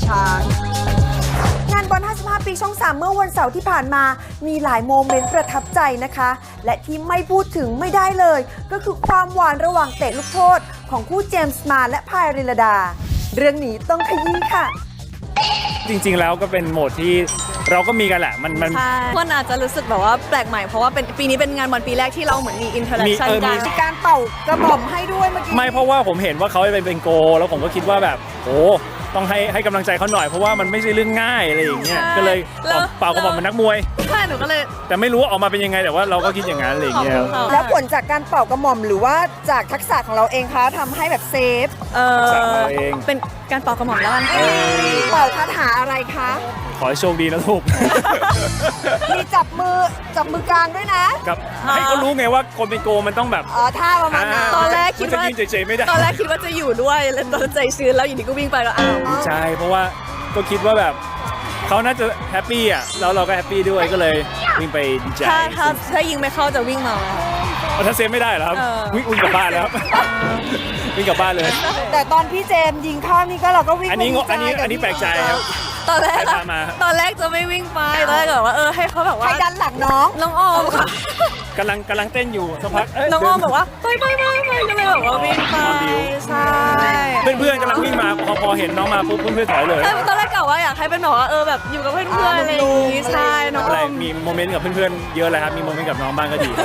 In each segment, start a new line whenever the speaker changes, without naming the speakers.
ช้างงานบอล 55 ปีช่อง 3 เมื่อวันเสาร์ที่ผ่านมามีหลายโมเมนต์ประทับใจนะคะ และที่ไม่พูดถึงไม่ได้เลย ก็คือความหวานระหว่างเตะลูกโทษของคู่เจมส์มาและพายริลดา เรื่องนี้ต้องขยี้ค่ะ
จริงๆแล้วก็เป็นโหมดที่เราก็มีกันแหละมัน
ใช่คนอาจจะรู้สึกแบบว่าแปลกใหม่เพราะว่าเป็นปีนี้เป็นงานบอลปีแรกที่เราเหมือนมีอินเทอร์แอคชั่นกัน
มีการเป่ากระหม่อมให้ด้วยเมื่อกี้
ไม่เพราะว่าผมเห็นว่าเขาเป็นโกลแล้วผมก็คิดว่าแบบโอ้ต้องให้กำลังใจเขาหน่อยเพราะว่ามันไม่ใช่เรื่องง่ายอะไรอย่างเงี้ยก็เลยเป่ากระบอกมันนักมวย
ใช่หนูก็เลย
แต่ไม่รู้ว่าออกมาเป็นยังไงแต่ว่าเราก็คิดอย่างนั้นอะไรอย่างเงี้ย
แล้วผลจากการเป่ากระหม่อมหรือว่าจากทักษะของเราเองคะทำให้แบบเซฟ
ทักษะของเราเอง
เป็นการเป่ากระหม่อมแล้วกัน
เป่าคาถาอะไรคะ
ขอให้โชคดีนะลูก
มีจับมือกลางด้วยนะ
ครับให้เขารู้ไงว่าคนเป็นโกลมันต้องแบบ
ท่าประมาณนั้น
ตอนแรกคิด
จะ
ว่า
ยืนเฉยๆไม่ได้
ตอนแรกคิดว่าจะอยู่ด้วยแล้วตอนใจชื้นแล้วอยู่ดีก็วิ่งไปแล้วอ้าว
ใช่เพราะว่าก็คิดว่าแบบเขาน่าจะแฮปปี้อ่ะแล้วเราก็แฮปปี้ด้วยก็เลยวิ่งไปดีใจ
ถ้ายิงไม่เข้าจะวิ่งมา
ถ้าเซฟไม่ได้เหรอครับวิ่งกลับบ้านแล้วครับ วิ่งกลับบ้านเลย
แต่ตอนพี่เจมส์ยิงเข้านี่ก็เราก็วิ่ง
อันนี้แปลกใจครับ
ตอนแรก
ใครพามา
ตอนแรกจะไม่วิ่งไปตอนแรกแบบว่าให้เขาแบบ
ใคร
ว่า
ดันหลังน้อง
น้องออมค่ะ
กำลังเต้นอยู่สักพัก
น้องออมบอกว่าไปก็เลยแบบว่าวิ่งไปใช่
เพื่อนๆกำลังวิ่งมาพอเห็นน้องมาปุ๊บเพื่อนๆถอยเลย
ใช่ตอนแรกกะว่าอยากให้เป็นแบบว่าแบบอยู่กับเพื่อนๆอะไรอย่างงี้ใช่น้องอ
อะไร
อม
มีโมเมนต์กับเพื่อนๆเยอะเลยครับมีโมเมนต์กับน้องบ้างก็ดี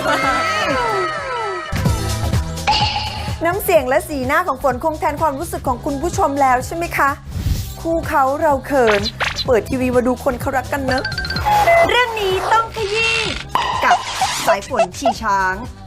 น้ำเสียงและสีหน้าของฝนคงแทนความรู้สึกของคุณผู้ชมแล้วใช่ไหมคะ คู่เขาเราเขิน เปิดทีวีมาดูคนเขารักกันเนอะเรื่องนี้ต้องขยี้กับสายฝนชีช้าง